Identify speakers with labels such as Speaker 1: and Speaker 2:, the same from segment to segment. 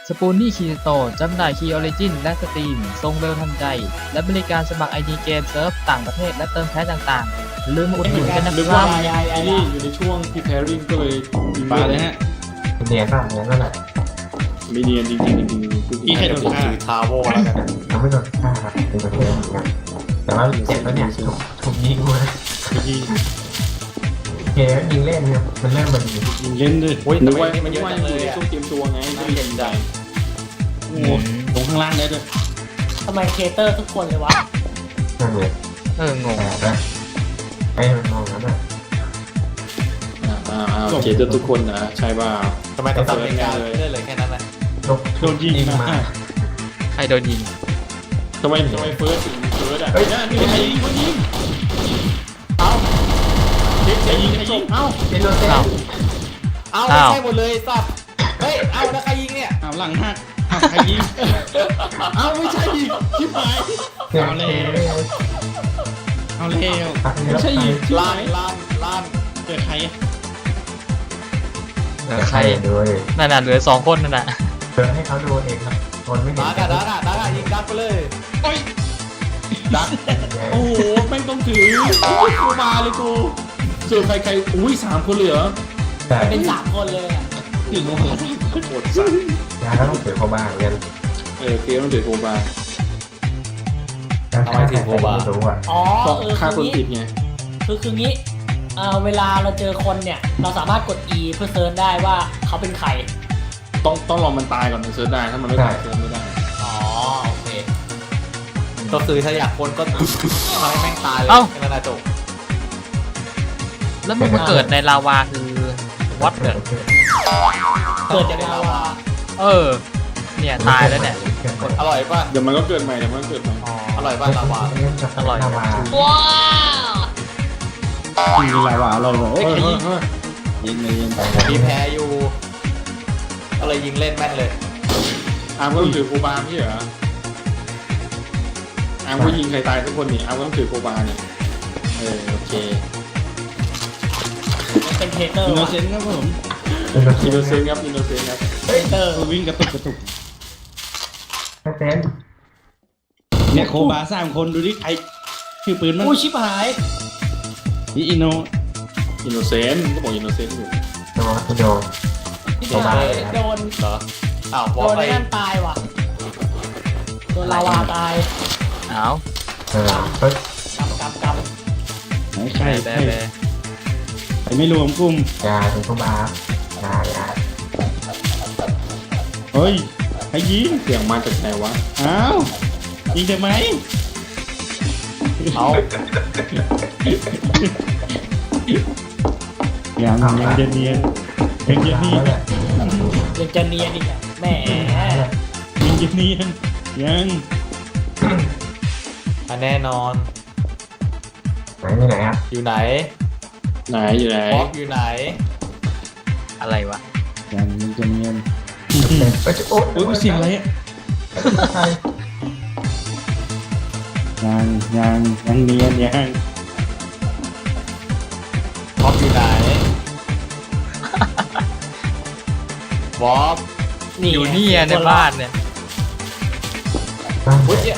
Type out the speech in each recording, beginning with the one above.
Speaker 1: สปูนนี่คีโตจำหน่ายคีย์ออริจินและสตรีมส่งเร็วทันใจ และบริการสมัคร ID เกมเซิร์ฟต่างประเทศและเติมแพ็คต่างๆอย่าลืมมาอุดหนุนกันนะ
Speaker 2: นึก
Speaker 1: ครั
Speaker 2: ว่า
Speaker 1: บ
Speaker 2: ไอ้นี่อยู่ในช่วง preparing ก็เลย
Speaker 3: ปลาเลยฮะ
Speaker 4: เนียนป่ะเนียนนั่นแหละ
Speaker 2: ไม่เนียนจริงๆจริงๆ
Speaker 3: อีใครโดนฆ่า
Speaker 5: ทาวโวแล้วกัน
Speaker 4: ยังไม่โดนฆ่าครับเป็นประเทศเหมือนกันแต่ว่าเจ็บแล้วเนี่ยถูกยิงมา
Speaker 3: ยิง
Speaker 4: เกมยิงเล่นเนี่ยมันเริ่มมันยิง
Speaker 3: ยิงเล่นด้วย
Speaker 5: อุ้ย
Speaker 2: นึ
Speaker 5: ทำ
Speaker 2: ก
Speaker 5: ไม
Speaker 2: ว่า
Speaker 5: นี่มันเยอะจังเลย
Speaker 2: ใน
Speaker 5: อ่ะ
Speaker 2: ช่วงเตรียมตัวไงไม่ได้เล่นใจ
Speaker 3: โอ้โหลงข้างล่างได้ด้วย
Speaker 6: ทำไมเคเตอร์ทุกคนเลยวะ
Speaker 4: นั่นเลย
Speaker 1: งง
Speaker 4: แต่นะไอ้มันมองแล้วนะ
Speaker 2: เจเจอทุกคนนะใช่ป่ะ
Speaker 5: ทำไมต้องทำเป็นการเลื่อนเลยแค่นั้นนะ
Speaker 3: โดนยิงมา
Speaker 1: ใครโดนยิง
Speaker 2: ทำไมเฟิร์สถึงเฟิร์สอ่ะนี่ใครยิงคนยิงเอาเด็กยิงใครยิงเอ้า
Speaker 4: เป็นโดนเต้น
Speaker 5: เอาไม่ใช่หมดเลยสับเฮ้ยเอาแล้วใครยิงเนี่ย
Speaker 3: เอาหลังหักใครยิง
Speaker 2: เอาไม่ใช่ยิงชิบหาย
Speaker 3: เอาเร็วเอาเร็ว
Speaker 2: ไม่ใช่ยิง
Speaker 5: ล้าน
Speaker 3: เจอใคร
Speaker 1: ใคร
Speaker 4: ด้วย
Speaker 1: นั่นน่ะเหลือ2 คนนั่นน่ะ
Speaker 4: เดินให้เขาดูเองครับคนไม่เห็น
Speaker 5: ดักอะยิงดักไปเลย
Speaker 3: โอ้ย
Speaker 2: ดักโอ้โหแม่งต้องถือกูมาเลยกูส่วนใครอุ้ย3 คนเหลือ
Speaker 4: แต่
Speaker 6: เป็น3 คนเลยอะ
Speaker 3: ถึงโอ้โห
Speaker 2: โคตรสั่น
Speaker 4: ยาก็ต้องถือเขาบ้างกัน
Speaker 2: เคต้องถือโคบา
Speaker 4: ไม่รู้อ่ะ
Speaker 6: อ๋อ
Speaker 2: เพราะ
Speaker 6: คือ
Speaker 2: ฆ่าคน
Speaker 6: งี้
Speaker 2: ผิดไง
Speaker 6: คืองี้เวลาเราเจอคนเนี่ย เราสามารถกด E เพื่อเซิร์ชได้ว่าเขาเป็นใคร
Speaker 2: ต้องรอมันตายก่อนถึงเซิร์ชได้ถ้ามันไม่ตายเซิร์ชไม่ได้
Speaker 6: อ๋อโอเค
Speaker 5: ก็คือถ้าอยากคนก็ทำให้แม่งตายเลยแค่นั้นจบ
Speaker 1: แล้วมันมาเกิดในลาวาคือวัดเกิด
Speaker 6: เกิดจากลาวา
Speaker 1: เนี่ยตายแล้วเนี่ย
Speaker 5: อร่อยป่ะ
Speaker 2: เดี๋ยวมันก็เกิดใหม่
Speaker 5: อร่อยป่ะลาวา
Speaker 1: อร่อย
Speaker 4: ลาวา
Speaker 3: ยิงลาวาเราบอกเอ้ยใครยิงยิงเลยยิงไป
Speaker 5: มีแพ้อยู่อะไรยิงเล่นแม่นเลย
Speaker 2: อาร์มก็ต้องถือโคบาไม่ใช่เหรออาร์มก็ยิงใครตายทุกคนนี่อาร์มก็ต้องถือโคบานี่โอเค
Speaker 6: เป็นเคเตอร์
Speaker 3: อินโน
Speaker 6: วะ
Speaker 3: เซนต์ครับผม
Speaker 2: อินโนเซนต์ครับ
Speaker 6: เคเตอร์
Speaker 3: วิ่งกระตุก
Speaker 4: ไม่เป็น
Speaker 3: เนี่ยโคบา3 คนดูดิใครชื่อปืนมั้ง
Speaker 6: อู้ชิบหาย
Speaker 3: นี่อินโน
Speaker 2: อินโนเซนต์ก็บอกอินโนเซนต์อยู่
Speaker 4: โดนโดน
Speaker 6: ชิบหายโดน
Speaker 5: เหรออ้าว
Speaker 6: โด
Speaker 5: บอก
Speaker 6: น
Speaker 5: ไป
Speaker 6: ไอ้นั่นตายว่ะโดนลาวาตาย
Speaker 1: อ้าว
Speaker 4: เฮ้ย
Speaker 6: กำ
Speaker 3: ไหนใคร
Speaker 1: แบ
Speaker 3: ใคร
Speaker 1: แบ
Speaker 3: ใครไม่รวมกลุ่ม
Speaker 4: ยาถึงเขาบ้ายา
Speaker 3: เฮ้ยใครยิง
Speaker 2: เสียงมาจากไหนวะ
Speaker 3: อ้าวยิงทำไม
Speaker 5: เอา
Speaker 3: ยังจะเนียนยังจะเนียน
Speaker 6: ยังจะเนียนอีกอะแหม
Speaker 3: ยังจะเนียนยัง
Speaker 5: แน่นอน
Speaker 4: ไหนครับ
Speaker 5: อยู่ไหน
Speaker 2: อยู่ไหน
Speaker 5: ป๊อกอยู่ไหน
Speaker 1: อะไรวะ
Speaker 3: ยังจะเนียน
Speaker 4: เฮ้ยโอ้
Speaker 3: โอ้ยเสียงอะไรอ่ะยังเนียนยัง
Speaker 5: ป๊อกอยู่ไหนป๊อก
Speaker 1: อยู่นี่ในบ้านเนี่ย
Speaker 5: พุทธเนี่ย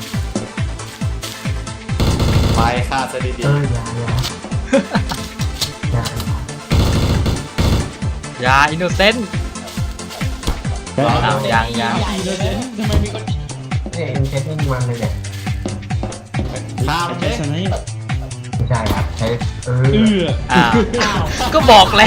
Speaker 5: ไปฆ่าซะดี
Speaker 4: ยายา
Speaker 1: อินโนเซนต์ยัง
Speaker 3: อินโนเซนต์ทำไมมีคน
Speaker 4: เนี่ยเอ็นเทสนี่มันเลยเนี่ย
Speaker 5: ๆฆ่ามัน
Speaker 3: ใช้
Speaker 5: เลย
Speaker 3: สไนป์
Speaker 4: ไม่ใช่ครับใช้
Speaker 3: เออ
Speaker 1: อ้าว
Speaker 6: อ้าว
Speaker 1: ก็บอกแล้ว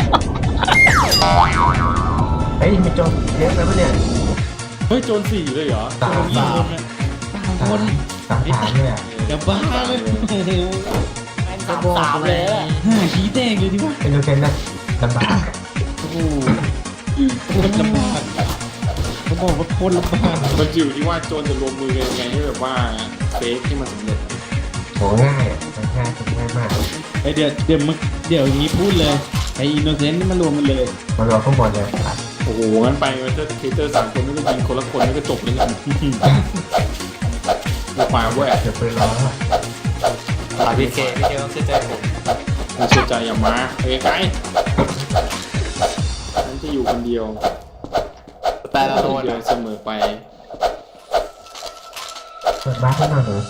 Speaker 4: เฮ้ยมีโจรเยอะไปปะเนี่ย
Speaker 2: เฮ้ยโจร4เลยเหรอ
Speaker 4: สาม
Speaker 3: กี่คนนะ3 คน
Speaker 4: สามเนี่ย
Speaker 3: จะบ้าเลยโอ้โห
Speaker 6: แม่ง3-3เลยอะ
Speaker 3: 5 ขี้แตกเลยดิวะ
Speaker 4: เป็นโดเซนนะลำบาก
Speaker 3: โอ้โหโคตรลำบากเขาบอกว่าโคตรลำบาก
Speaker 2: มันอยู่ที่ว่าโจรจะรวมมือกันยังไงให้แบบว่าเฟกให้มันสำเร็จ
Speaker 4: โหง่ายอ่ะง่ายมาก
Speaker 3: ไอเดี๋ยวอย่างนี้พูดเลยไออินโนเซนต์นี่มารวมกันเลย
Speaker 4: มารอข้างบนเลยครับ
Speaker 2: โอ้โหงั้นไปมันจะเทเตอร์3 คนไม่ก็ยิงคนละคนแล้วก็จบเลยกันละมาเว้ย
Speaker 4: เดี๋ยวปืนร้อน
Speaker 5: พี่เคต้องเชื่อใจผม
Speaker 2: ไม่เชื่อใจอย่ามาไกลๆฉันจะอยู่คนเดียว
Speaker 5: แต่ละโดน
Speaker 2: เดียวเสมอไป
Speaker 4: เปิดบ้านขึ้นมาเลย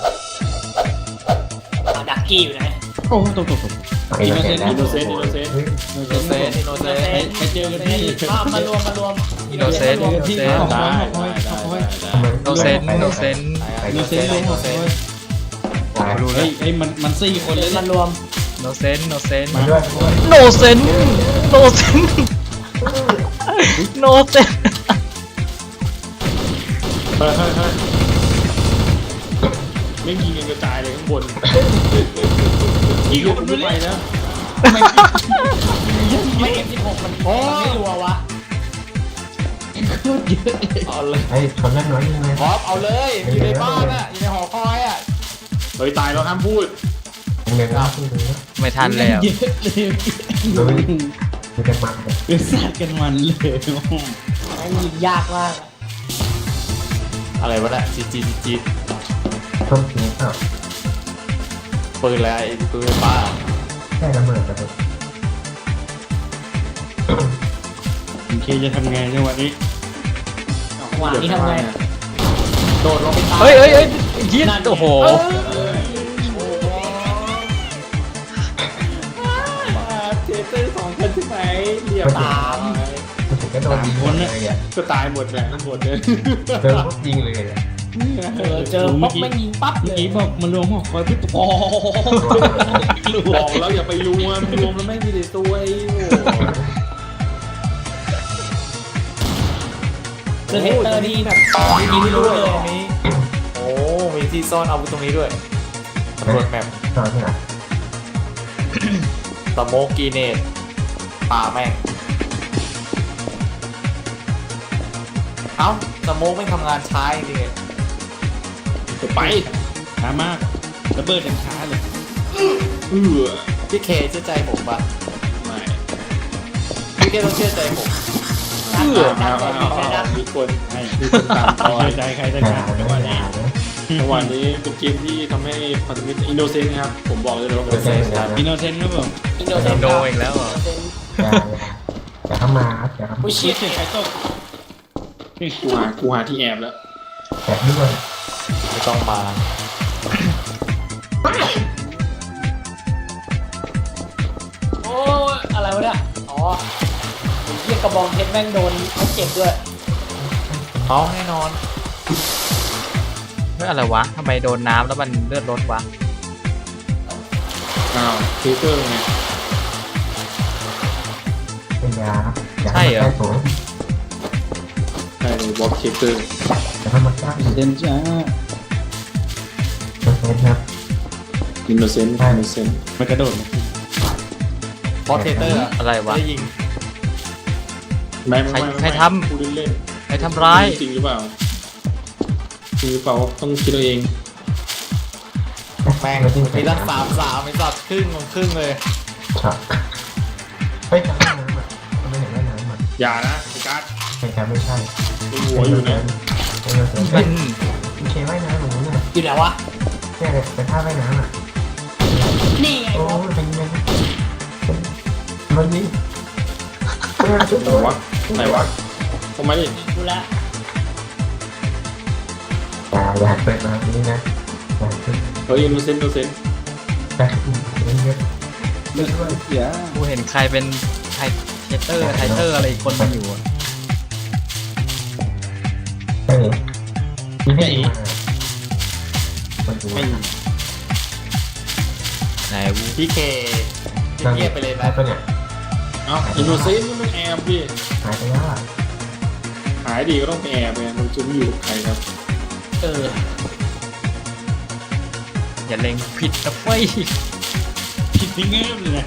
Speaker 6: ดักกี้อยู่นะ
Speaker 3: โอ้ตก
Speaker 4: อินโนเซนต์
Speaker 2: อินโนเซนต์อินโนเซนต์
Speaker 5: อินโนเซนต์อินโนเซนต์
Speaker 3: ไปเจอกันที่
Speaker 6: มารวม
Speaker 1: อินโนเซนต์
Speaker 3: เจอกันที่หอคอยหอคอยหอคอย
Speaker 1: โนเซนโนเซน
Speaker 3: โนเซนเลยหอคอยเฮ้ยมัน4 คนเลย
Speaker 6: มารวม
Speaker 1: โนเซนโนเซน
Speaker 4: มาด้วย
Speaker 1: โนเซนโนเซนโนเซน
Speaker 2: เฮ้ยไม่ยิงกันกระจายเลยข้างบนยิงคนไปนะ
Speaker 6: ไม่เอ็ม16มันไม่รัววะ
Speaker 5: เอาเลย
Speaker 4: ไอ้ชนเล็กน้อยยังไง
Speaker 5: พร้อมเอาเลยอยู่ในบ้านอ่ะอยู่ในหอคอยอ่ะ
Speaker 2: เฮ้ยตายแล้วห้ามพูด
Speaker 4: ยังไงนะคุณดูนะ
Speaker 1: ไม่ทันแล้ว
Speaker 3: เยอะเลย
Speaker 4: ดูดูกันมาเลย
Speaker 3: เป็นสัตว์กันมันเลย
Speaker 6: แม่งยิงยากมาก
Speaker 5: อะไรวะเนี่ยจี
Speaker 4: ต้มทีเปล่า
Speaker 5: ปืนอะไรปืนป้า
Speaker 4: แค่ระเบิดกันเลย
Speaker 3: โอเคจะทำไงในวันนี้
Speaker 6: หวานนี่ทำไง
Speaker 5: โดดลงไปตาย
Speaker 1: เฮ้ยยิงโอ้โห
Speaker 2: เทเตอร์2 คนใช่ไหมเรียบ
Speaker 6: ตาม
Speaker 4: มันถึงก็โดนยิงหมดเลยอ่ะ
Speaker 2: ก็ตายหมดแหละทั้งหมดเลย
Speaker 4: เดินปุ๊บยิงเลยอ่ะ
Speaker 6: เจอป๊อกแม่งยิงปั๊บเล
Speaker 3: เมื่อย กี้บอกมารวมหอคอยพี่โอ้
Speaker 2: บอกแล้วอย่าไปรวมแล้วไม่มีแต่ตัวไอ้โ
Speaker 6: เจอเฮเตอร์นี่แบบยิงไม่รู้เลยอันนี้
Speaker 5: โอ้มีที่ซ่อนอาวุธตรงนี้ด้วยตำรวจแมป
Speaker 4: ตอนที่ไหน
Speaker 5: สโมกกีเนตป่าแม่งเอ้าสโมกไม่ทำงานช้าจริง
Speaker 2: จะไป
Speaker 3: ช้ามากระเบิดอย่างช้าเลย
Speaker 5: พี่เคเชื่อใจผมป่ะ
Speaker 2: ไม่
Speaker 5: พี่เคต้องเชื่อใจผม
Speaker 2: มีคน
Speaker 3: ให้
Speaker 2: มีคนตามต่อ
Speaker 3: ใจใครจะ
Speaker 4: ด่า
Speaker 3: ขาด
Speaker 4: ไม่
Speaker 3: ว่า
Speaker 4: ด่านะ
Speaker 2: จังหวะนี้เป็นเกมที่ทำให้พันธมิตรอินโนเซนต์ครับผมบอกเลยว่า
Speaker 4: เดี๋ยวเจอกันนะ
Speaker 3: อินโนเซนต์ครับผม
Speaker 6: อินโดเซน
Speaker 1: โดอีกแล้วเหรอ
Speaker 4: อย่าเข้ามาครับอย่าเข้ามา
Speaker 6: ผู้
Speaker 3: เชี่
Speaker 6: ชิ
Speaker 3: ย
Speaker 6: ด
Speaker 3: ใครตก
Speaker 2: กูหาที่แอบแล้ว
Speaker 4: แต่ด้วย
Speaker 5: ไม่ต้องมา
Speaker 6: โอ้ยอะไรวะเนี่ยอ๋อเรียกกระบองเพชรแม่งโดนเขาเจ็บด้วย
Speaker 5: เอาแน่นอน
Speaker 1: ไม่อะไรวะทำไมโดนน้ำแล้วมันเลือดลดวะ
Speaker 2: อ้าวเทเตอร์ไง
Speaker 4: เป็นยาครับอย่าเข้ามาใกล้ผม
Speaker 2: ใช่เลยบล็อกเทเตอร์
Speaker 4: อย่าเข้ามาใกล้
Speaker 3: เซนจ้า
Speaker 4: เซนครับ
Speaker 2: อินโนเซนต์
Speaker 3: มันกระโดด
Speaker 5: บอสเทเตอร์
Speaker 1: อะไรวะ
Speaker 5: ได้ยิง
Speaker 2: ไม่
Speaker 1: ใครทำ
Speaker 2: พูดเล่น
Speaker 1: ใครทำร้าย
Speaker 2: จริงหรือเปล่าจริงหรือเปล่าต้องคิดเอาเอง
Speaker 5: แม่งมีตั้ง3-3มีสัตว์ครึ่งเลย
Speaker 4: ช็อตเฮ้ยจำได้น้ำอ่ะไม่เห็นได้น้ำอ่ะ
Speaker 2: อย่านะไอ้การ์ด
Speaker 4: เป็นการไม่ใช่
Speaker 2: มีหัวอยู่นะ
Speaker 4: เป็นเซน
Speaker 1: มัน
Speaker 4: มีเคว่ายน้ำเหมือนกันเนี่ย
Speaker 6: อยู่ไหนวะ
Speaker 4: เนี่ยเลยเป็นท่าว่ายน้ำอ่ะ
Speaker 6: นี่ไง
Speaker 4: โอ้
Speaker 6: วะ
Speaker 4: ยเป็นยังไงมันนี่
Speaker 2: ไหนวะทำไมดิ
Speaker 6: ดูแล
Speaker 4: อย่าหันเปิดมาตรงนี้นะอย่าหันเปิด
Speaker 2: เฮ้ยอินโนเซนต์
Speaker 4: แต่เยอะ
Speaker 3: เลือดอย่า
Speaker 1: กูเห็นใครเป็นไทเตอร์อะไรอีกคนมันอยู่อะ
Speaker 4: เฮ้ยนี่ให้มาคนดู
Speaker 3: ไม่
Speaker 1: ไหนวู
Speaker 5: พี่เคเงียบไปเลยไหม
Speaker 4: หายไปเนี่ย
Speaker 2: เอ้าอินโนเซนต์นี่มันแอบดิ
Speaker 4: หายไปแล้วอ่ะ
Speaker 2: หายดีก็ต้องไปแอบไงมันจะไม่อยู่กับใครครับ
Speaker 6: เออ
Speaker 1: อย่าเล็งผิดนะเฟ้ย
Speaker 3: ผิดนี่เงี้ยเลยนะ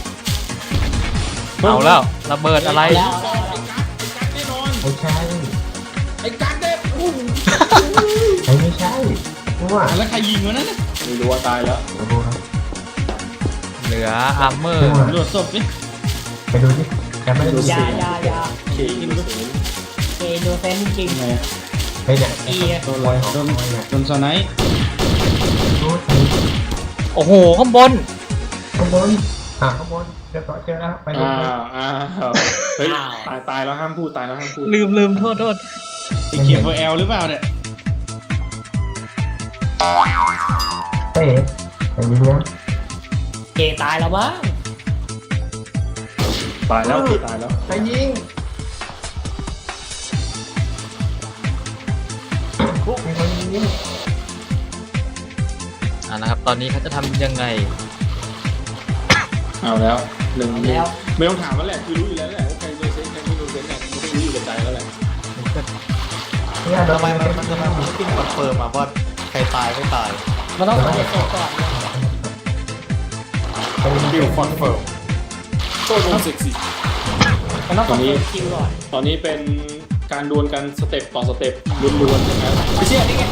Speaker 1: เอาแล้วระเบิดอะไร
Speaker 6: แล้ว
Speaker 2: แน่นอน
Speaker 4: ไม่ใช่
Speaker 2: ไอ้การ์ดเด็ด
Speaker 4: ไม่ใช่ว่า
Speaker 3: แล้วใครยิงวะนั่น
Speaker 2: ไม่รู้ว่าตายแล้ว
Speaker 4: ดูครับ
Speaker 1: เหลืออาร์เมอร์
Speaker 3: ตำรวจศพดิ
Speaker 4: ไปดูดิแกไม่ได้ดู
Speaker 6: ยา
Speaker 2: เคอินโนเซนต์
Speaker 6: เอโดเซนจริง
Speaker 3: ไง
Speaker 4: ไปเนี่ย
Speaker 6: อี
Speaker 3: โดนลอยโดนสไนป์
Speaker 4: ดู
Speaker 1: โอ้โหข้างบน
Speaker 4: ข้างบนข้างบนเรียบร้อยเจอแล้วไป
Speaker 2: อ้าวเฮ้ยตายแล้วห้ามพูดตายแล้วห้ามพูด
Speaker 1: ลืมโทษ
Speaker 3: สีเขียวเอลหรือเปล่าเนี่ย
Speaker 4: เฮ้ยอย่างนี้นะ
Speaker 6: เกตายแล้วมั้ง
Speaker 2: ตายแล้ว
Speaker 4: ไปยิงมีคนยิง
Speaker 1: นะครับตอนนี้เขาจะทำยังไง
Speaker 2: เอาแล้วหนึ่ง
Speaker 6: แล้ว
Speaker 2: ไม่ต้องถามแล้วแหละคือรู้อยู่แล้วแหละว่าใครโดนเซ็นใครไม่โดนเซ็นเนี่ยมันก็รู้อยู่กับใจแล้วแหละ
Speaker 4: เนี่ยโดน
Speaker 5: ทำไมมันไม่ขึ้นคอนเฟิร์มมาว่าใครตายไม่ตาย
Speaker 6: มันต้องเก็บศพก่อน
Speaker 2: คิวคอนเฟิร์มโต้วงเซ็กซี่
Speaker 6: มันต้องกดคิวก่อน
Speaker 2: ตอนนี้เป็นการดวลกันสเต็ปต่อสเต็ปล้วนๆใช่ไหมไม่ใช่นี่ไง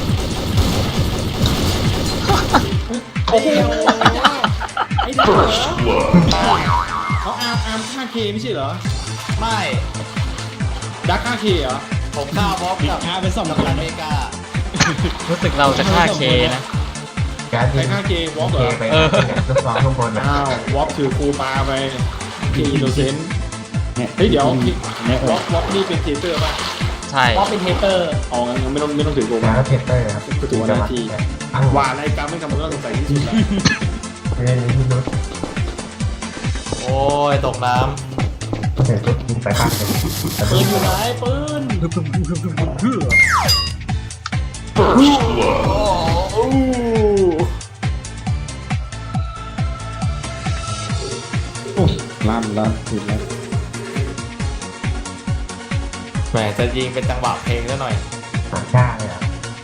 Speaker 2: โอ้โหไอ้เด็กเหรอเขาอาร์มฆ่าเคไม่ใช่เหรอ
Speaker 5: ไม่
Speaker 2: ดักฆ่าเคเหรอ
Speaker 5: ผมฆ่าวอล์กกับ
Speaker 3: เป็น 2
Speaker 5: อเมริกา
Speaker 1: รู้สึกเราจะฆ่าเคนะ
Speaker 4: แก๊ส
Speaker 2: ใคร
Speaker 4: ยิง
Speaker 2: ฆ่าเกย์วอล์ก
Speaker 4: เค
Speaker 2: เหรอ
Speaker 4: ไปลูกซ้อมข้างบนนะ
Speaker 2: อ้าววอล์กถือคูปาไปเกย์อินโนเซนต์เฮ้ยเดี๋ยววอล์กนี่เป็นเทเตอร์ป่ะ
Speaker 1: ใช่
Speaker 6: เพราะเป็นเทเตอร์
Speaker 2: อ๋องั้นไม่ต้องถือโก
Speaker 4: แล้
Speaker 2: มาว
Speaker 4: เทสเตอร์ครับ
Speaker 2: ตัวหน้าที่ว่าอะไรกรรมไม่ทำมันก็สงสัยที่สุดแล้ว
Speaker 4: เล่นที่นุช
Speaker 5: โอ้ยตกน้
Speaker 4: เสร็จปุ๊บยิงไปข้างหนึ่ง
Speaker 6: ปืนอยู่ไหนปืน
Speaker 3: ลั่นถูกแล้ว
Speaker 5: ำแหมจะยิงเป็นจังหวะเพลงซะหน่อย
Speaker 4: สามชาเลยอ่ะ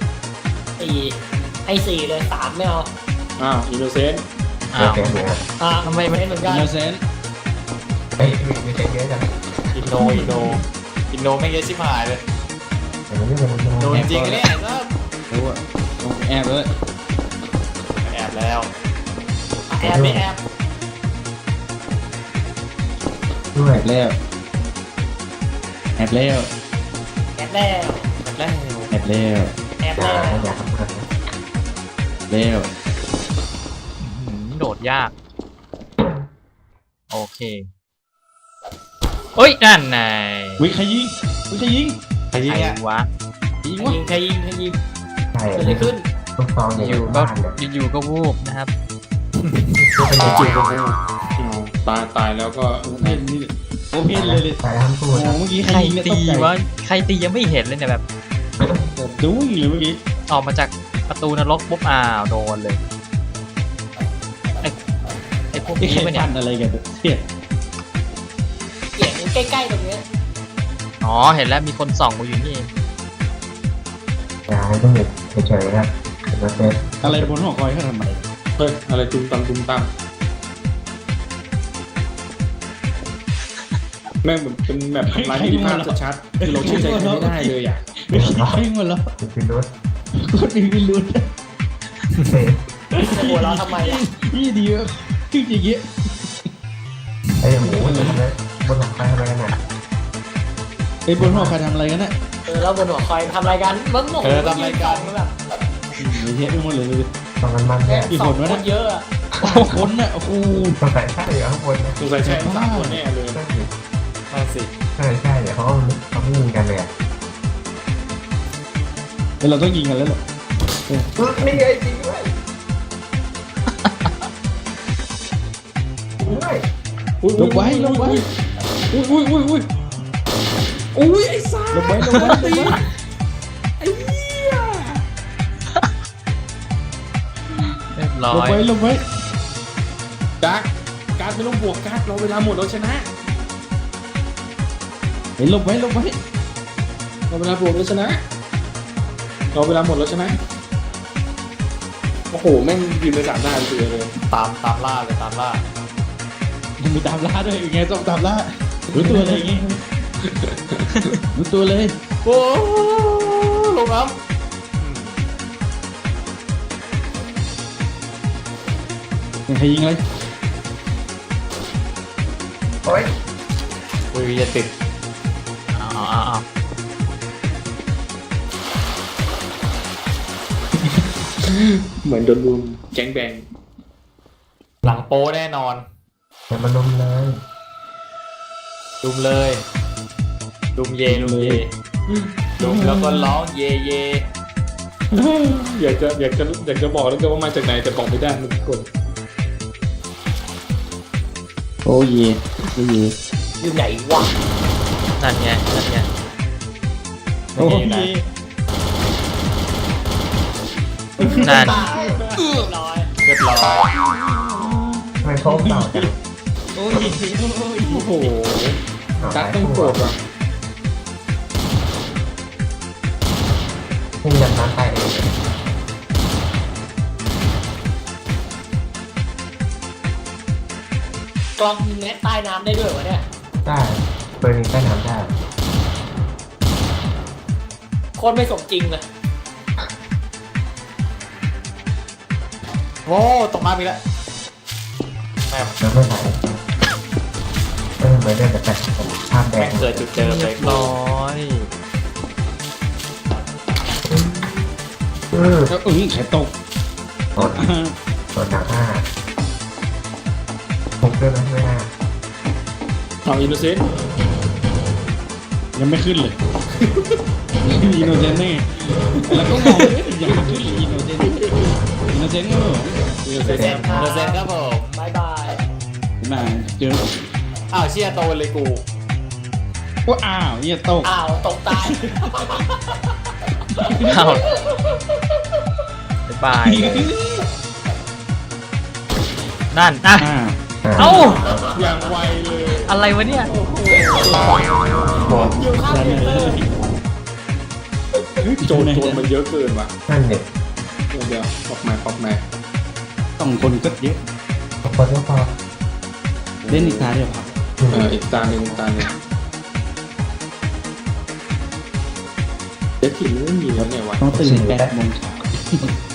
Speaker 6: ให้4เลย3ไม่เอา
Speaker 2: อ้าวอินโนเซนต์
Speaker 1: อ้าว
Speaker 4: เกมเหมือนกัน
Speaker 1: ทำไมไม่
Speaker 6: เหมือนกัน
Speaker 3: อินโนเซนต์
Speaker 4: เฮ้ยมีเกมเยอะจัง
Speaker 5: อินโนไม่เยอะชิบหายเลย
Speaker 4: แต่มันไม่เป็น
Speaker 5: โดนจริงกันเนี่ยก็
Speaker 3: รู้อ่ะแอบเลย
Speaker 5: แอบแล้ว
Speaker 6: แอบไม่แอบ
Speaker 4: ด้วย
Speaker 3: แอบแล้ว
Speaker 6: แอบแล้ว
Speaker 5: แอบแล้ว
Speaker 3: แอบแล้ว
Speaker 6: แอบ
Speaker 4: อย่า
Speaker 6: แล้ว
Speaker 4: อย่าทำอะไร
Speaker 3: แล้ว
Speaker 1: โดดยาก โอเคเอ้ยนั่นไง
Speaker 3: วิใครยิง
Speaker 5: ใครยิง
Speaker 1: ใคร
Speaker 5: อ่ะ
Speaker 1: วะ
Speaker 3: ยิง
Speaker 6: ใคร
Speaker 3: วะ
Speaker 6: ยิงใครยิงใครยิง
Speaker 4: ใช่
Speaker 6: เกิดอะไรขึ้น
Speaker 4: ลูกซองอยู่บ้านเลย
Speaker 1: อยู่ก็วูบนะครับ
Speaker 2: เป็นจุดตายแล้วก็
Speaker 3: เพนนี่โอเพนเลย
Speaker 4: ใส่ทำพู
Speaker 3: โอ้
Speaker 4: ด
Speaker 3: เมื่อกี้ใค
Speaker 1: ใค
Speaker 3: ร
Speaker 1: ร
Speaker 3: ยิงเนี่ย
Speaker 1: ตี
Speaker 3: ตกใจ
Speaker 1: วะใครตียังไม่เห็นเลยเนี่ยแบบ
Speaker 3: ดูเลยเมื่อกี้
Speaker 1: ออกมาจากประตูนรกปุ๊บอ้าวโดนเลยไอ้พวก
Speaker 3: ไอ้
Speaker 1: นี้
Speaker 3: ใคร
Speaker 1: ปะเนี่
Speaker 3: ฟั
Speaker 1: ย
Speaker 3: นอะไรกันเนี่ย
Speaker 6: เสียงใกล้ๆตรงนี้
Speaker 1: อ๋อเห็นแล้วมีคนส่องมาอยู่นี่
Speaker 4: อย่าให้ต้องหยุดเฉยๆนะเป็นประเภท
Speaker 3: อะไรบนหอคอยเขาทำไม
Speaker 2: เฮ้ยอะไรตุ้มตามแม่งเหมือนเป็นแบบทำลายที่ภาพชัดๆคือเราเชื่อใจใครไม่ได้เลยอ่ะ
Speaker 3: ไม่ใช่หมดแล้ว
Speaker 4: คือรถ
Speaker 3: โคตรมีพิรุธ
Speaker 4: เฮ้ย
Speaker 6: จะหัวเราะทำไมอ่ะ
Speaker 3: นี่ดีวะคืออย่างเงี้ย
Speaker 4: ไอ้หมูมันเลยบนหลังไปทำไมกันเนี่ย
Speaker 3: ไอ้บนหอคอยทำอะไรกันน่ะ
Speaker 6: แล้วบนหัวคอยทำรายการมันหมกมันแบบ
Speaker 3: ไม่เทะไปหมดเลย
Speaker 4: ตรงกันมัน
Speaker 6: แค่
Speaker 4: เนี่ย
Speaker 6: 2 คนเยอะอะ
Speaker 3: คนน่ะโอ้โห
Speaker 4: ต้องใส่ใช่เดี๋ยวข้างบนนะ
Speaker 2: สงสัยใช่สามคนแน่เลย
Speaker 4: ใช่
Speaker 5: นั่นสิ
Speaker 4: ใช่เดี๋ยวเขาไม่ยิงกันเลยอ่ะ
Speaker 3: แต่เราต้องยิงกันแล้วเหรอ
Speaker 4: นี่ไงจริงด้วยด้วย
Speaker 3: ลงไว้อุ้ยไอ้ซ่าลงไว้
Speaker 1: เรียบร้อย
Speaker 3: ลงไว้
Speaker 2: การไม่ต้องบวกการเราเวลาหมดเราชนะ
Speaker 3: เฮ้ยลงไว้
Speaker 2: เราเวลาบวกเราชนะเราเวลาหมดเราชนะโอ้โหแม่งยืนไป3 หน้าเลย
Speaker 5: ตามล่าเลยตามล่า
Speaker 3: ยังมีตามล่าด้วยยังไงต้องตามล่ารู้ตัวเลยอย่างงี้รู้ตัวเลย
Speaker 5: โอ้ลงน้
Speaker 3: ใครยิงอะไร
Speaker 4: โอ้ย
Speaker 5: ำอุ้ยจะติด
Speaker 1: เอา
Speaker 2: เหมือนโดนรุมแก๊งแบง
Speaker 5: หลังโป้แน่นอน
Speaker 4: อย่ามาลุมเลย
Speaker 5: ดุมเลยดุมเยดุมเยดุมแล้วก็ร้องเยเย
Speaker 2: อยากจะบอกแล้วก็ว่ามาจากไหนแต่บอกไม่ได้มันกด
Speaker 3: โอ้เย่โอ้เย่
Speaker 6: อยู่ไหนวะ
Speaker 1: นั่นไงนั่นไง
Speaker 3: โอ้เย่
Speaker 1: นั่น
Speaker 6: ตายเรียบร้อย
Speaker 5: เรียบร้อย
Speaker 4: ทำไมเขาเต่าจัง
Speaker 3: โอ้เย่โอ้เย่
Speaker 2: โอ้โหตั๊กต้องโกรธว่ะ
Speaker 4: ที่ยันน้ำตายเอง
Speaker 6: กล้องยิงแน็ตใต้น้ำได้ด้วยวะเนี่ย
Speaker 4: ได้เบอร์นี้ใต้น้ำได้
Speaker 6: โคตรไม่สมจริงเลย
Speaker 5: โอ้ตกมาอีกแล้วแม่ง
Speaker 4: น้ำไม่ไหลเหมือนเดิมแต่ภาพแด
Speaker 5: แม่
Speaker 4: ง
Speaker 5: งเกิดจุดเดิมเลย
Speaker 1: ร้อย
Speaker 2: แล้ว
Speaker 3: ไข่ตก
Speaker 4: ส่วนหนักห้าผมด้วยนะไม่น่า
Speaker 2: เอาอินโนเซนต์
Speaker 3: ยังไม่ขึ้นเลยอินโนเซนต์นี่แล้วก็มองยังไม่ขึ้นเลยอินโนเซนต์อินโนเซนต์ก็เหรอ
Speaker 2: อินโนเซนต์
Speaker 5: เปอร์เซ็นต์ครับผม
Speaker 6: บายบาย
Speaker 3: มาเจอ
Speaker 5: อ้าวเชียโตเลยกู
Speaker 3: ว่าอ้าวเนี่ยตก
Speaker 6: อ้าวตกตาย
Speaker 1: เอาบ๊ายบายนั่นอ่ะ เอ้า
Speaker 2: อย่างไวเลย
Speaker 1: อะไรวะเนี่ย
Speaker 6: อยู่ข้างเดียวเลย
Speaker 2: โจรมันเยอะเกินว่ะ
Speaker 4: นั่นเนี่ย
Speaker 2: เดี๋ยวปอกมา
Speaker 3: ต้องคนก็เยอะ
Speaker 4: พอก็พอ
Speaker 3: เล่นอีกตาเดียวครับ
Speaker 2: อีกตาหนึ่งเด็กที่ไม่มีแล้วไงวะ
Speaker 3: ต้องตื่น8 โมงเช้า